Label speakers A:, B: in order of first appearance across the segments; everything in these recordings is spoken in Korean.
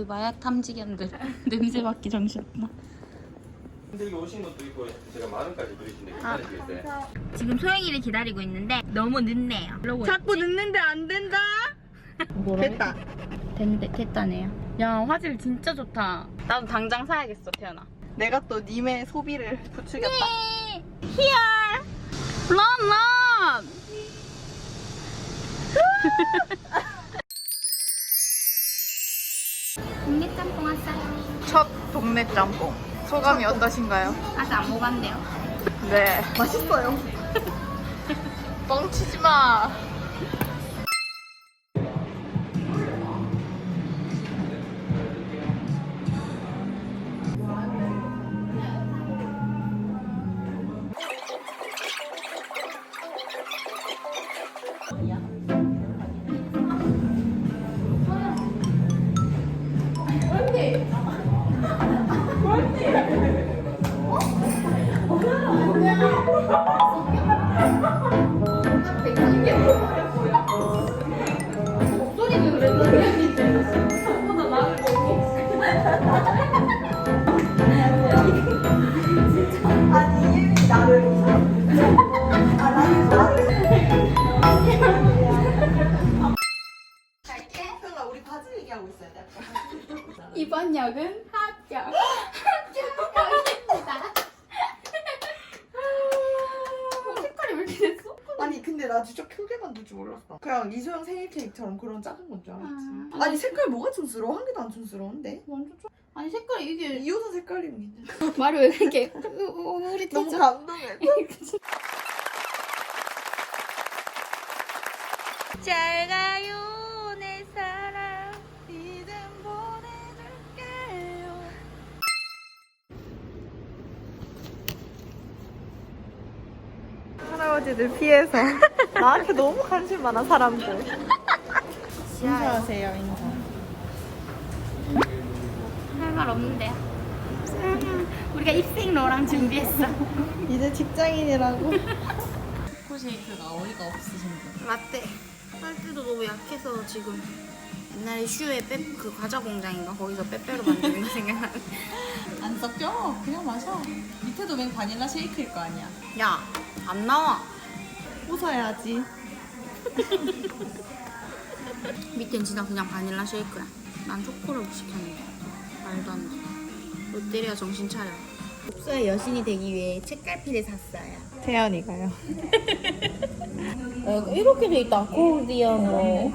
A: 거의 마약 탐지견들. 냄새 맡기 정신없나?
B: 근데 여기 오신 것도 있고 제가 10,000원까지 드리신데 괜찮으시겠어요?
A: 지금 소영이를 기다리고 있는데 너무 늦네요.
C: 자꾸 늦는데 안 된다. 됐다.
A: 됐다네요. 야, 화질 진짜 좋다. 나도 당장 사야겠어, 태연아.
C: 내가 또 님의 소비를 부추겼다.
A: 네. Here. Run. 동네 짬뽕 왔어요.
C: 첫 동네 짬뽕. 소감이 어떠신가요?
A: 아직 안 먹었네요.
C: 네. 맛있어요. 뻥치지 마.
A: 이번 역은 합격. 합격입니다. 색깔이 왜 이렇게 됐어?
C: 아니 근데 나 진짜 크게 만들 줄 몰랐어. 그냥 이소영 생일 케이크처럼 그런 작은 건 줄 알았지. 아니 색깔 뭐가 촌스러워? 한 개도 안 촌스러운데?
A: 완전 좋아. 아니 색깔이 이게
C: 이 옷은 색깔이면 괜찮아.
A: 말을 왜 이렇게 우리
C: 너무
A: 티저.
C: 감동해.
A: 잘 가요 내 사랑 이젠 보내줄게요.
C: 할아버지들 피해서 나한테 너무 관심 많아 사람들. 인사하세요 인사.
A: 할 말 없는데요. 우리가 입생로랑 준비했어.
C: 이제 직장인이라고.
A: 초코쉐이크가 어이가 없으신데. 라떼. 빨대도 너무 약해서 지금 옛날에 슈에 그 과자 공장인가 거기서 빼빼로 만드는 거 생각나네.
D: 안 섞여. 그냥 마셔. 밑에도 맨 바닐라 쉐이크일 거 아니야.
A: 야, 안 나와.
C: 웃어야지.
A: 밑엔 진짜 그냥 바닐라 쉐이크야. 난 초코를 시켰는데 말도 안 돼. 롯데리아 정신 차려. 복서의 여신이 되기 위해 책갈피를 샀어요.
C: 태연이가요.
A: 이렇게 돼 있다. 코디언 뭐.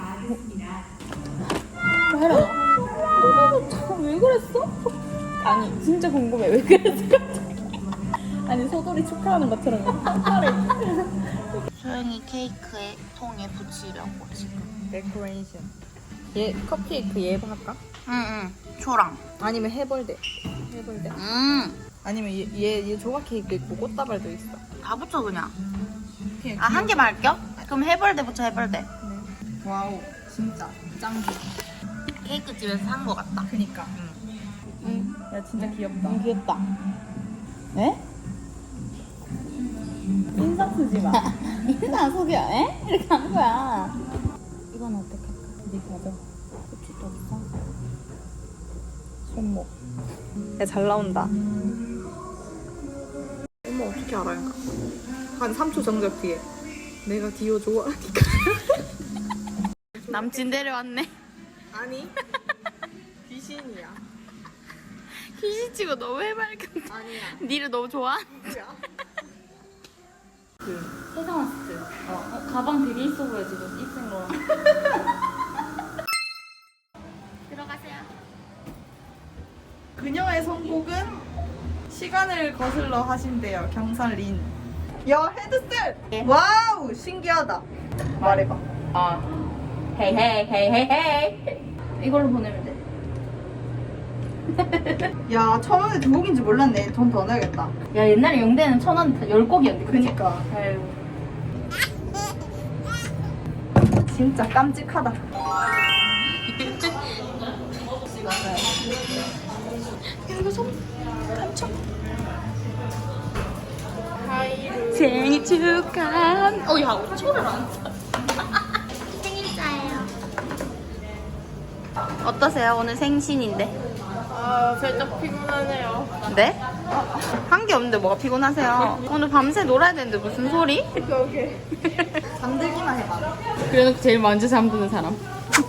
A: 해라. 잠깐 왜 그랬어?
D: 아니 진짜 궁금해. 왜 그랬을까? 아니 소돌이 축하하는 것처럼 깜짝이야.
A: 소영이 케이크에 통에 붙이려고 지금.
C: 데코레이션.
D: 얘 컵케이크 얘 할까?
A: 응응. 초랑.
C: 아니면 해벌대. 해벌대. 아니면 얘 조각 케이크 있고 꽃다발도 있어.
A: 다 붙여 그냥.
D: 그냥
A: 아, 한 개만 할게요? 그럼 해벌대 붙여 해벌대.
D: 와우 진짜 짱기.
A: 케이크 집에서 산 거 같다.
D: 그니까.
A: 응.
D: 야 진짜 귀엽다.
A: 귀엽다.
D: 에? 인상 쓰지 마.
A: 인사 속여, 에? 이렇게 한 거야. 이건 어떻게 할까?
D: 네 가져.
A: 고추 또 있어?
D: 손목. 야 잘 나온다.
C: 엄마 어떻게 알아요? 한 3초 정적 뒤에 내가 디오 좋아하니까.
A: 남친 데려왔네.
C: 아니 귀신이야.
A: 귀신치고 너무 해맑은데.
C: 아니야.
A: 니를 너무 좋아?
C: 뭐야?
A: 해상마스트. 가방 되게 있어 보여 지금 입생로랑. 들어가세요.
C: 그녀의 선곡은 시간을 거슬러 하신대요. 경산린. 야 헤드셋.
A: 예.
C: 와우 신기하다. 말해봐.
A: 헤이 헤이 헤이 헤이. 이걸로 보내면 돼.
C: 야 1,000원에 2곡인지 몰랐네. 돈 더 내야겠다.
A: 야 옛날에 용대는 1,000원 10곡이었는데.
C: 그니까.
A: 아유.
C: 진짜 깜찍하다.
A: 이거 좀 깜짝. 생일 축하. 야 5초를 안 써. 생일자예요. 어떠세요? 오늘 생신인데.
C: 아 살짝 피곤하네요.
A: 네? 한 게 없는데 뭐가 피곤하세요? 오늘 밤새 놀아야 되는데 무슨 소리?
C: 오케이. 잠들기만 해봐.
A: 그래놓고 제일 먼저 잠드는 사람.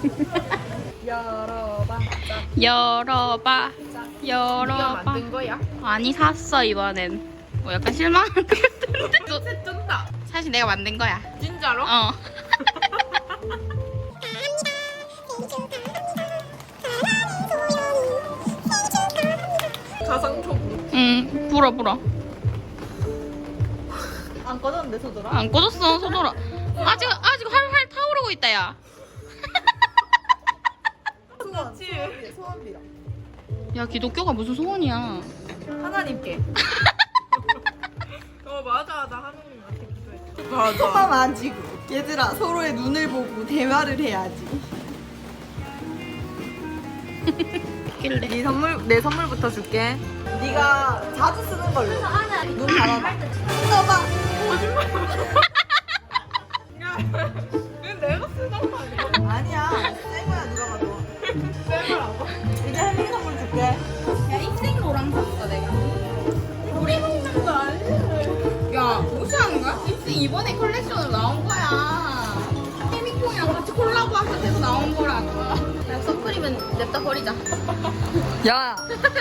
C: 열어봐.
A: 열어봐. 열어봐.
C: 만든 거야?
A: 아니 샀어 이번엔. 뭐 약간 실망한 것 같은데.
C: 새 뜬다.
A: 사실 내가 만든 거야.
C: 진짜로?
A: 어.
C: 가상초보.
A: 응, 불어.
C: 안 꺼졌는데 소더라?
A: 안 꺼졌어, 소돌아. 아직 활활 타오르고 있다, 야.
C: 소원비라.
A: 야, 기독교가 무슨 소원이야.
C: 하나님께. 맞아. 나 하나님한테 기도했어. 맞아. 손만 만지고. 얘들아 서로의 눈을 보고 대화를 해야지.
A: 길래.
C: 내 선물부터 줄게. 네가 자주 쓰는 걸로. 눈 감아봐. 써봐. 거짓말. 이건 내가 쓰는 거 아니야? 아니야. 새 거야 누가 봐도. 새 거라고? 이제 혜민 선물 줄게.
A: 야, 입생로랑 샀어, 내가. 우리 먹는 거 아니야? 야, 무시하는 거야? 입생 이번에 컬렉션으로 나온 거야. 케미콩이랑 같이 콜라보 해서 나온 거라고. 야, 선크림은 냅다 버리자.
C: 야.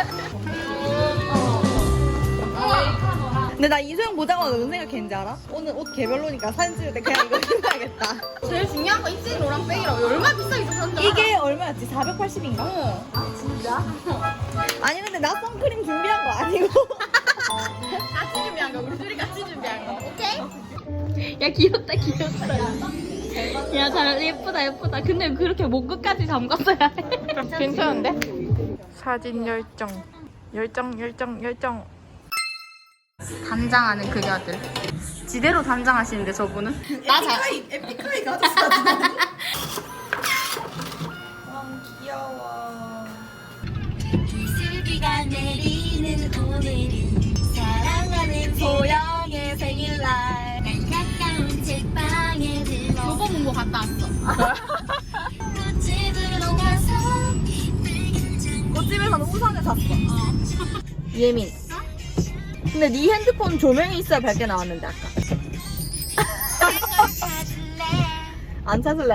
C: 근데 나 이소영 보자마자 무슨 생각했는지 알아? 오늘 옷 개별로니까 사진 찍을 때 그냥 이거 입어야겠다.
A: 제일 중요한 거 입생 노랑백이라고. 얼마나 비싸게 샀는지 알아?
C: 이게 얼마였지? 480인가?
A: 어.
C: 진짜? 아니 근데 나 선크림 준비한 거 아니고.
A: 같이 준비한 거. 우리 둘이 같이 준비한 거. 오케이? 야, 귀엽다. 야, 잘 예쁘다. 근데 그렇게 목 끝까지 잠갔어야 해.
C: 괜찮은데? 사진 열정.
A: 단장하는 그녀들. 지대로 단장하시는데 저분은?
C: 에픽하이 가졌어. 귀여워.
E: 이슬비가 내리는 오늘은 사랑하는 소영의 생일날 날 가까운 책방에 들러
A: 교보문고 갔다 왔어.
E: 꽃집으로 가서
C: 꽃집에서는 우산을 샀어. 예민. 근데 네 핸드폰 조명이 있어야 밝게 나왔는데 아까. 안 찾을래.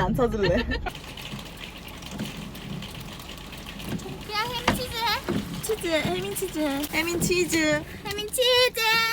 A: 그냥 햄치즈 해.
C: 치즈, 혜민 치즈. 혜민 치즈.
A: 햄치즈.